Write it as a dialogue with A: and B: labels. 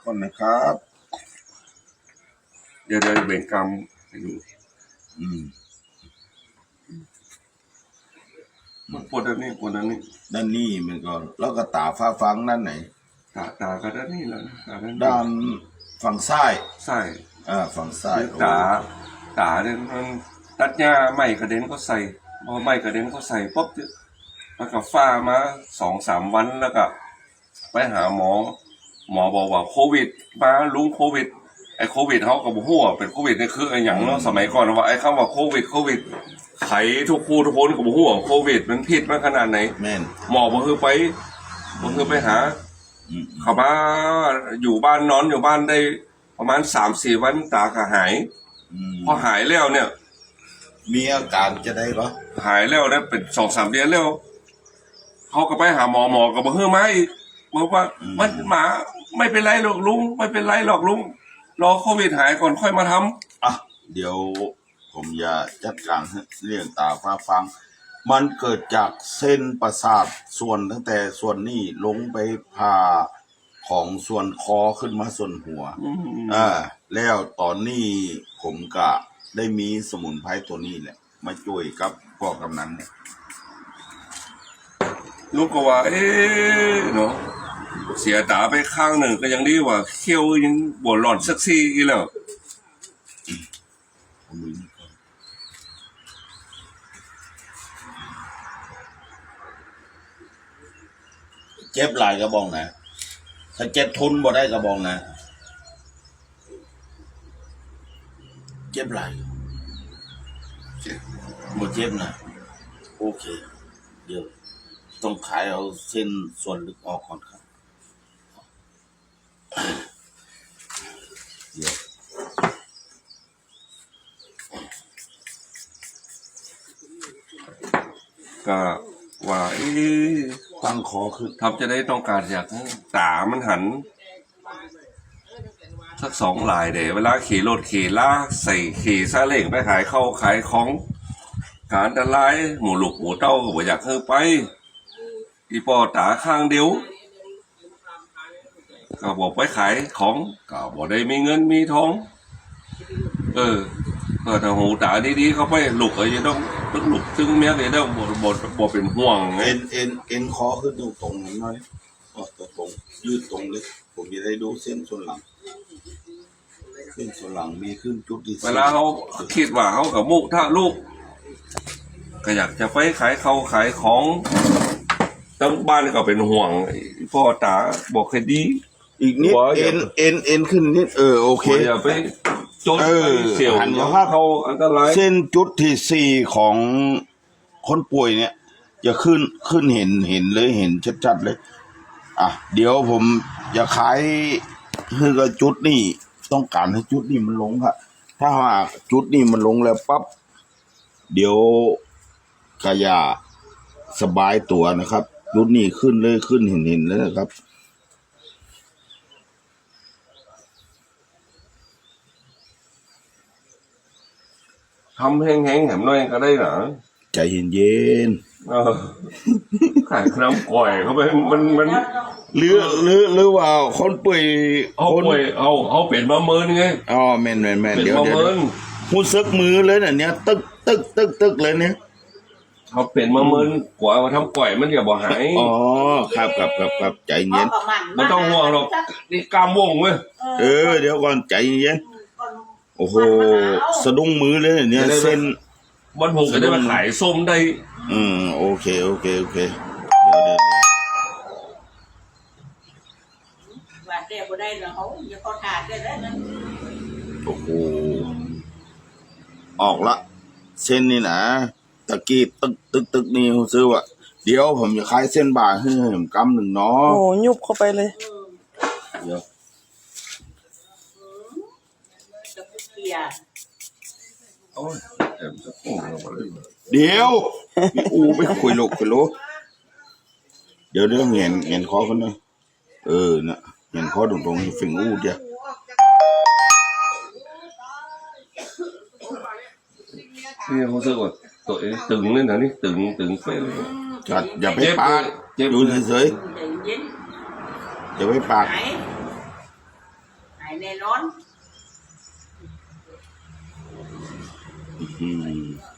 A: ก่อนนะครับ
B: เดี๋ยวเบ่งกรรมให้ดูมันปวดด้านนี้
A: ด้านนี้มันก็แล้วก็ตาฟ้าฟังด้านไหน
B: ตาก็ด้านนี้แหละ
A: ด้านฝั่งซ้ายฝั่งซ้าย
B: ตาเนี่ยมันตัดหญ้าไม้กระเด็นก็ใส่พอไม้กระเด็นก็ใส่ปุ๊บแล้วก็ฟ้ามา2-3 วันแล้วก็ไปหาหมอบอกว่าโควิดมาลุงโควิดไอ้โควิดเขาก็บอกว่าเป็นโควิดนี่คือไอ้อย่างเนาะสมัยก่อนว่าไอ้คำว่าโควิดไขทุกคู่ทุกคนก็บอกว่าโควิดมันผิดมาขนาดไหนหมอบอกคือไปหาเขามาอยู่บ้านนอนอยู่บ้านได้ประมาณ3-4 วันตาก็หายพอหายแล้วเนี่ย
A: มีอาการจะได้หรอ
B: หายแล้วนะเป็น2-3 เดือนแล้วเขาก็ไปหาหมอก็บอกเฮ้ยมาอีกบอกว่ามันหมาไม่เป็นไรหรอกลุงไม่เป็นไรหรอกลุงรอโควิดหายก่อนค่อยมาท
A: ำเดี๋ยวผมจะจัดการเรื่องตาฟ้าฟังมันเกิดจากเส้นประสาทส่วนตั้งแต่ส่วนนี้ลงไปผ่าของส่วนคอขึ้นมาส่วนหัวแล้วตอนนี้ผมก็ได้มีสมุนไพรตัวนี้แหละมาช่วยกับพ่อกำนันเนี่ย
B: ลูกก็ว่าเนาะเสียตาไปข้างหนึ่งก็ยังดีว่าเขี้ยวยังบวหลอนสักซี่อีแล้ว
A: เจ็บหลายกระบอกนะถ้าเจ็บทุนบ่ได้กระบอกนะเจ็บหลายบ่เจ็บนะโอเคเดี๋ยวต้องขายเอาเส้นส่วนลึกออกก่อนครับเดี๋ยว
B: ก็ว่า
A: ตั้งคอขึ้น
B: ทำจะได้ต้องการอยากตามันหันสัก2 ลายเดี๋ยวเวลาขี่รถขี่ลากใส่ขี่ซาเล้งไปขายเข้าขายของการตลาดหมูลูกหมูเต้าก็บ่อยากให้ไปอีปอตาข้างเดียวก็บอกไปขายของก็บอกได้มีเงินมีทองก็ถ้าหูตาดีๆเขาไปลูกก็จะต้องลูกซึ่งเมียเลยต้องบ่เป็นห่วงไง
A: เอ็นคอขึ้นตรงๆหน่อยตรงยืดตรงเลยผมจะได้ดูเส้นส่วนหลังมีขึ้นจุดที่
B: เวลาเขาคิดว่าเขากับมุกถ้าลูกก็อยากจะไปขายของตั้งบ้านก็เป็นห่วงพ่อตาบอกให้ดี
A: อีกนิดเอ็นขึ้นนิดโอเค
B: อย่าไปจนเสี่ยวเขาอันตราย
A: เส้นจุดที่4ของคนป่วยเนี่ยจะขึ้นเห็นเลยเห็นชัดๆเลยเดี๋ยวผมจะขายคือกับจุดนี้ต้องการให้จุดนี้มันลงครับถ้าว่าจุดนี้มันลงแล้วปั๊บเดี๋ยวกายาสบายตัวนะครับจุดนี้ขึ้นเลยขึ้นเห็นแล้วนะครับ
B: ทำแห้งแหมน้อยก็ได้หรอ
A: ใจเย็น
B: ขายน้ำก่อยเขาไปมัน
A: หรือว่าคนป่วย
B: เอาเป็นมาเมินไง
A: แม่นเดี๋ยวหูซึกมือเลยเนี่ยตึกเลยเนี่ย
B: เขาเป็นมาเมินกว่ามาทำก่อยมันจะบ่หาย
A: ครับใจเย็น
B: ไม่ต้องห่วงหรอกนี่กล้ามวงเว้ย
A: เดี๋ยวก่อนใจเย็นโอ้โหสะดุ้งมือเลยเนี่ยเส้น
B: วันผมก็ได้มาขายส้มได้
A: โอเคเดี๋ยว
C: ว่าเดี๋ยวบ่ได้แล้วเขาอย่าเขาขาดได้แล้วนะ
A: โอ้โหออกละเส้นนี่นะตะกี้ตึกนี่ผมซื้อว่ะเดี๋ยวผมจะขายเส้นบาทให้ผมกำหนึ่งเนาะ
D: โอ้ยุบเข้าไปเลย
A: เดี๋ยวเดี๋ยวไม่คุยโลกเดี๋ยวเห็นคอคนนะน่ะเห็นคอตรงๆฟิงเดียว
B: นี่เขาซื้อว่าตัวตึงเลยนะนี่ตึงเฟ้ย
A: จัดอย่าไปปากดูเฉยๆอย่าไปปาก
C: ายแน่นอน
A: อืม